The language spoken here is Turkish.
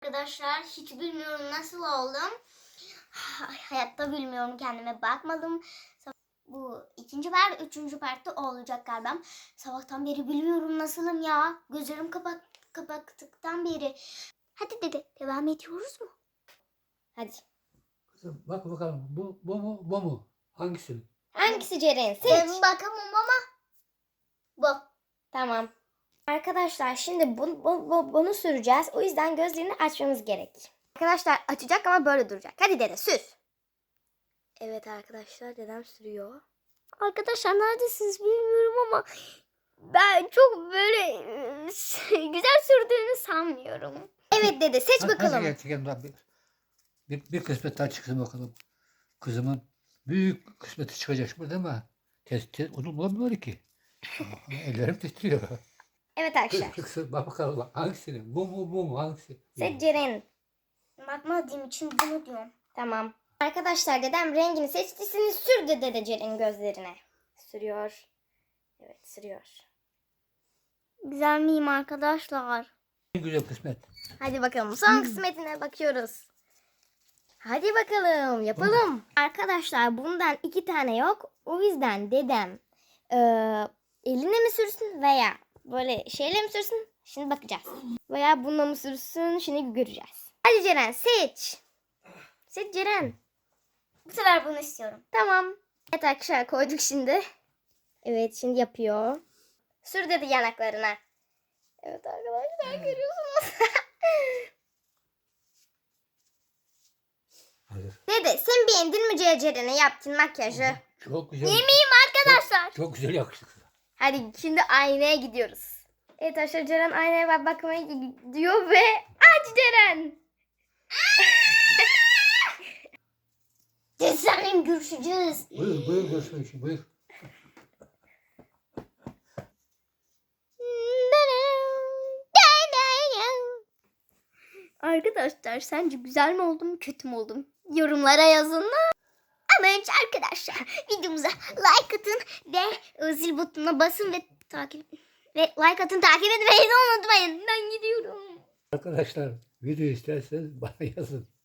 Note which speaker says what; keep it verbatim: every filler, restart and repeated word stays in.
Speaker 1: arkadaşlar. Hiç bilmiyorum nasıl oldum. Hayatta bilmiyorum, kendime bakmadım. Bu ikinci part, üçüncü partta olacak galiba. Sabahtan beri bilmiyorum nasılım ya. Gözlerim kapat, kapattıktan beri. Hadi dede, devam ediyoruz mu? Hadi.
Speaker 2: Kızım bak bakalım bu, bu mu bu mu? Hangisi?
Speaker 3: Hangisi Ceren? Seç.
Speaker 1: Ben bakamam ama bu.
Speaker 3: Tamam. Arkadaşlar şimdi bu, bu, bu- bunu süreceğiz. O yüzden gözlerini açmamız gerek. Arkadaşlar açacak ama böyle duracak. Hadi dede sür. Evet arkadaşlar dedem sürüyor. Arkadaşlar neredesiniz bilmiyorum ama ben çok böyle güzel sürdüğünü sanmıyorum. Evet dede seç
Speaker 2: Hadi
Speaker 3: bakalım.
Speaker 2: gel çekelim lan bir, bir, bir kısmet daha çıksın bakalım. Kızımın büyük kısmeti çıkacak burada ama test, test onu bulamıyor ki. Aa, ellerim titriyor.
Speaker 3: Evet
Speaker 2: Kız,
Speaker 3: arkadaşlar.
Speaker 2: kızım bak bakalım bak, hangisini? Bu mu bu mu hangisi?
Speaker 3: Seç Ceren.
Speaker 1: Bakmadığım için bunu diyorum.
Speaker 3: Tamam. Arkadaşlar dedem rengini seçtisini sürdü dede Ceren'in gözlerine. Sürüyor. Evet sürüyor.
Speaker 1: Güzel miyim arkadaşlar?
Speaker 2: En güzel kısmet.
Speaker 3: Hadi bakalım son kısmetine bakıyoruz. Hadi bakalım yapalım. Arkadaşlar bundan iki tane yok. O yüzden dedem eee, eline mi sürsün veya böyle şeyle mi sürsün? Şimdi bakacağız. Veya bununla mı sürsün? Şimdi göreceğiz. Hadi Ceren seç. Seç Ceren.
Speaker 1: Bu sefer bunu istiyorum.
Speaker 3: Tamam. Evet arkadaşlar koyduk şimdi. Evet şimdi yapıyor. Sür dedi yanaklarına. Evet arkadaşlar görüyorsunuz.
Speaker 2: Hazır.
Speaker 3: Dede sen beğendin mi Ceren'e yaptığın makyajı?
Speaker 2: Çok güzel.
Speaker 3: Yemeğim arkadaşlar.
Speaker 2: Çok, çok güzel yakıştı kıza.
Speaker 3: Hadi şimdi aynaya gidiyoruz. Evet arkadaşlar Ceren aynaya bak bakmaya gidiyor ve aç Ceren.
Speaker 1: Seninle görüşeceğiz.
Speaker 2: Buyur buyur görüşmek için buyur.
Speaker 3: Arkadaşlar sence güzel mi oldum kötü mü oldum? Yorumlara yazın.
Speaker 1: Ama önce arkadaşlar videomuza like atın ve zil butonuna basın ve takip ve like atın, takip etmeyi de unutmayın. Ben gidiyorum.
Speaker 2: Arkadaşlar video isterseniz bana yazın.